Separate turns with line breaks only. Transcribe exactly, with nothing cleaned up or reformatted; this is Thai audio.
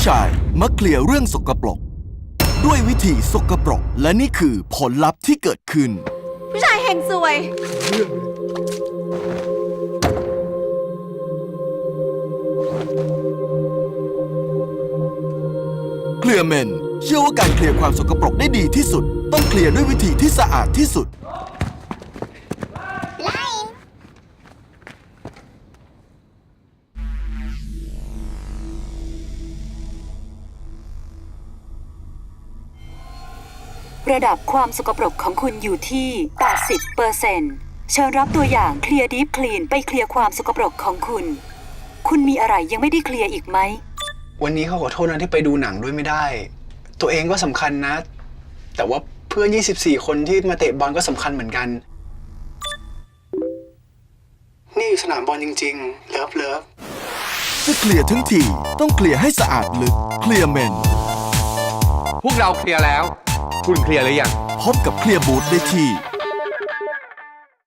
ชายมักเคลียร์เรื่องสกปรกด้วยวิธีสกปรกและนี่คือผลลัพธ์ที่เกิดขึ้น
ผู้ชายเฮงซวย
เคลียร์เมนเชื่อว่าการเคลียร์ความสกปรกได้ดีที่สุดต้องเคลียร์ด้วยวิธีที่สะอาดที่สุด
ระดับความสกปรกของคุณอยู่ที่ แปดสิบเปอร์เซ็นต์ เชิญรับตัวอย่างเคลียร์ดีฟคลีนไปเคลียร์ความสกปรกของคุณคุณมีอะไรยังไม่ได้เคลียร์อีกไหม
วันนี้เขาขอโทษนะที่ไปดูหนังด้วยไม่ได้ ตัวเองก็สำคัญนะแต่ว่าเพื่อนยี่สิบสี่คนที่มาเตะบอลก็สำคัญเหมือนกันนี่สนามบอลจริงๆเลิฟเลิฟ
จะเคลียร์ทั้งทีต้องเคลียร์ให้สะอาดลึกเคลียร์เมน
พวกเราเคลียร์แล้วคุณเคลียร์หรือยัง
พบกับเคลียร์บูธได้ที่